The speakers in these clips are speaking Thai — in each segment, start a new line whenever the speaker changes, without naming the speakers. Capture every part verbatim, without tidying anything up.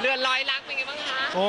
เรือนร้อยลักเป็นไงบ้างคะ
โอ้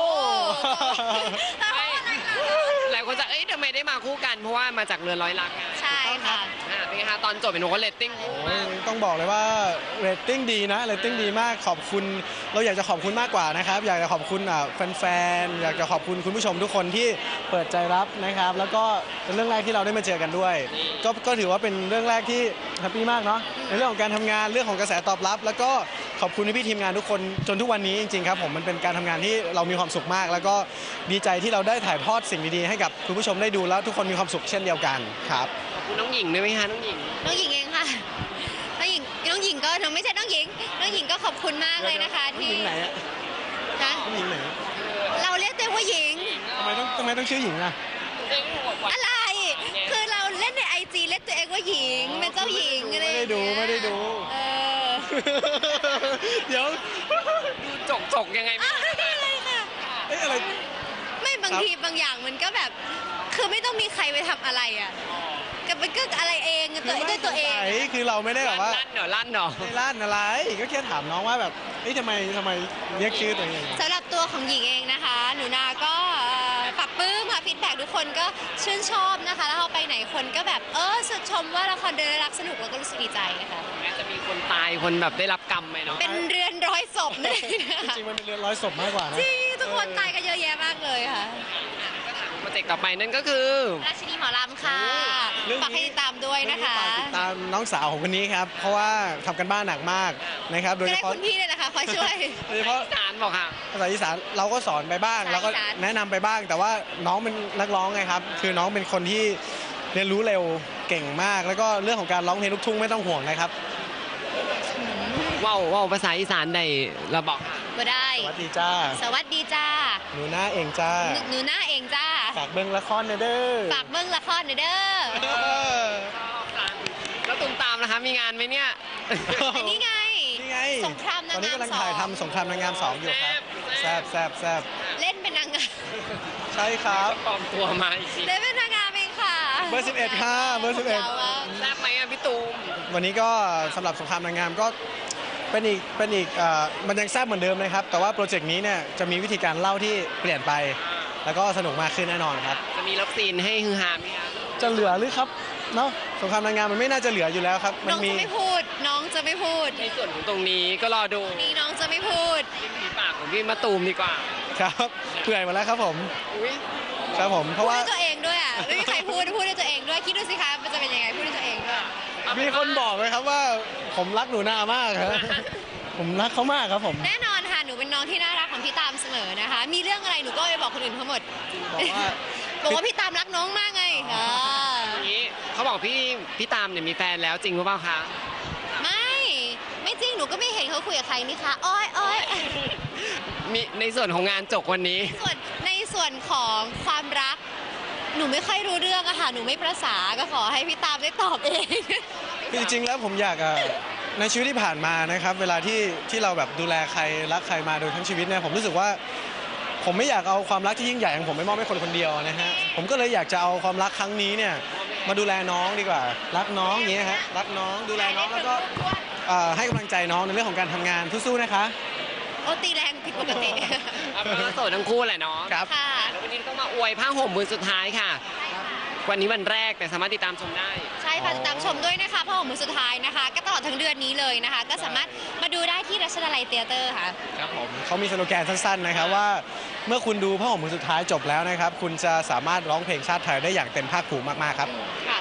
หลายคนจะเอ้ยทำไมได้มาคู่กันเพราะว่ามาจากเรือนร้อยลัก
ใช่ค่ะ
เป็นไงคะตอนจบเป็นหนูก็เรตติ้ง
ต้องบอกเลยว่าเรตติ้งดีนะเรตติ้งดีมากขอบคุณเราอยากจะขอบคุณมากกว่านะครับอยากจะขอบคุณแฟนๆอยากจะขอบคุณคุณผู้ชมทุกคนที่เปิดใจรับนะครับแล้วก็เป็นเรื่องแรกที่เราได้มาเจอกันด้วยก็ก็ถือว่าเป็นเรื่องแรกที่แฮปปี้มากเนาะในเรื่องของการทำงานเรื่องของกระแสตอบรับแล้วก็ขอบคุณพี่ทีมงานทุกคนจนทุกวันนี้จริงๆครับผมมันเป็นการทำงานที่เรามีความสุขมากแล้วก็ดีใจที่เราได้ถ่ายทอดสิ่งดีๆให้กับคุณผู้ชมได้ดูแล้วทุกคนมีความสุขเช่นเดียวกันครับ
ขอบคุณน้องหญิงด้วยไหมคะน้องหญิง
น้องหญิงเองค่ะน้องหญิงน้องหญิงก็น้องไม่ใช่น้องหญิงน้องหญิงก็ขอบคุณมากเลยนะคะที่
หญิงไหนอะ
ฮะ
หญิงไหน
เราเรียกตัวว่าหญิง
ทำไมต้องทำไมต้องชื่อหญิงอะ
อะไรคือเราเล่นในไอจีเรียกตัวเองว่าหญิงเป็นเจ้าหญิงอะไร
ไม่ได้ดูไม่ได้ดูเดี๋ยว
ดูจกจกยังไงไม่
อะไรค่ะ
เอ้อะไร
ไม่บางทีบางอย่างมันก็แบบคือไม่ต้องมีใครไปทำอะไรอ่ะกับมันก็อะไรเองตัวด้วยตัวเอง
คือเราไม่ได้แบบว่า
ลั่นเหรอลั่นเหรอ
ลั่นอะไรก็แค่ถามน้องว่าแบบเฮ้ยทำไมทำไมเรียกชื่อตัวเอง
สำหรับตัวของหญิงเองนะคะหนูนาก็ปรับปลื้มค่ะฟีดแบ็กทุกคนก็ชื่นชอบนะคะแล้วพอไปไหนคนก็แบบเออสุดชมว่าละครเดินรักสนุกแล้วก็รู้สึกดีใจค่ะ
แม้จะมีคนตายคนแบบได้รับกรรมไหมเนาะ
เป็นเรือนร้อยศพเลย
จริงมันเป็นเรือนร้อยศพมากกว่านะ
จริงทุกคนตายกันเยอะแยะมากเลยค่ะ
โปรเจกต์ต่อไปนั่นก็คือ
ราชินีหมอลำค่ะฝากให้ติดตามด้วยนะคะ
ติดตามน้องสาวของคนนี้ครับเพราะว่าทำกันบ้านหนักมากนะครับโดยเฉพาะ
คุณพี่เลยนะคะคอยช่วย
โดยเฉพาะ
อีสานบอกค่ะ
ภาษาอีสานเราก็สอนไปบ้างเราก็แนะนำไปบ้างแต่ว่าน้องเป็นนักร้องไงครับคือน้องเป็นคนที่เรียนรู้เร็วเก่งมากแล้วก็เรื่องของการร้องเพลงลูกทุ่งไม่ต้องห่วงนะครับ
ว้าวว้าวภาษาอีสานใดเราบอกค่ะ
บ่ได้
สวัสดีจ้า
สวัสดีจ้า
หนูหน้าเองจ้า
หนูหน้าเองจ้า
ฝากเบิ้งละครเด้อ
ฝากเบิ้งละครเด้อ
แล้วตุ้มตามนะคะมีงานไหมเนี่ย
อันนี้ไง
นี่ไง
สงครามนางงามสองตอนนี้
กำลังถ่ายทำสงครามนางงามสองอยู่ครับแซบแซบแซบ
เล่นเป็นนางงาม
ใช่ครับ
ปลอมตัวมาอีกที
เล่นเป็นนางงามเองค่ะ
เบอร์สิบเอ็ดค่ะเบอร์สิบเอ็ด
แซบไหมอ่ะพี่ตูม
วันนี้ก็สำหรับสงครามนางงามก็เป็นอีกเป็นอีกมันยังแซ่บเหมือนเดิมนะครับแต่ว่าโปรเจกต์นี้เนี่ยจะมีวิธีการเล่าที่เปลี่ยนไปแล้วก็สนุกมากขึ้นแน่นอนครับ
จะมีรับซีนให้ฮือฮาไหมครับ
จะเหลือหรือครับเนาะสงครามนางงามมันไม่น่าจะเหลืออยู่แล้วครับ
น้องจะไม่พูดน้องจะไม่พูด
ในส่วนของตรงนี้ก็รอดู
นี่น้องจะไม่พูด
มีปากของพี่มะตูมดีกว่า
ครับเปื่อยมาแล้วครับผมครับผมเพราะว่า
พูดด้วยตัวเองด้วยอ่ะไม่มีใครพูดพูดด้วยตัวเองด้วยคิดดูสิคะมันจะเป็นยังไงพูดด้วยตัวเองด้วย
มีคนบอกเลยครับว่าผมรักหนูนามากครับผมรักเขามากครับผม
แน่นอนค่ะหนูเป็นน้องที่น่ารักของพี่ตามเสมอนะคะมีเรื่องอะไรหนูก็ไปบอกคนอื่นทั้งหมด
บอกว่า
บอกว่าพี่ตามรักน้องมากไงค่ะ
อย่างนี้เขาบอกพี่พี่ตามเนี่ยมีแฟนแล้วจริงหรือเปล่าคะ
ไม่ไม่จริงหนูก็ไม่เห็นเขาคุยกับใครนี่คะอ้อยอ้อย
มีในส่วนของงานจบวันนี้
ส่วนในส่วนของความรักหนูไม่ค่อยรู้เรื่องอะค่ะหนูไม่ประสาก็ขอให้พี่ตามได้ตอบเอง
จริงๆแล้วผมอยากในชีวิตที่ผ่านมานะครับเวลาที่ที่เราแบบดูแลใครรักใครมาโดยทั้งชีวิตเนี่ยผมรู้สึกว่าผมไม่อยากเอาความรักที่ยิ่งใหญ่ของผมไปมอบให้คนคนเดียวนะฮะผมก็เลยอยากจะเอาความรักครั้งนี้เนี่ยมาดูแลน้องดีกว่ารักน้องอย่างเงี้ยฮะรักน้องดูแลน้องแล้วก็ให้กำลังใจน้องในเรื่องของการทำงานสู้ๆนะคะ
โอตีแรงผิดปกติ
โสดทั้งคู่แหละเนาะ
ครับ
ค่ะ
แล้ววันนี้ต้องมาอวยผ้าห่มมือสุดท้ายค่ะวันนี้วันแรกแต่สามารถติดตามชมได้
ใช่ค่ะติดตามชมด้วยนะคะผ้าห่มมือสุดท้ายนะคะก็ตลอดทั้งเดือนนี้เลยนะคะก็สามารถมาดูได้ที่รัชดาลัยเธียเตอร์ค่ะ
ครับผมเขามีสโลแกนสั้นๆนะครับว่าเมื่อคุณดูผ้าห่มมือสุดท้ายจบแล้วนะครับคุณจะสามารถร้องเพลงชาติไทยได้อย่างเต็มภาคภูมิมากๆครับ
ค่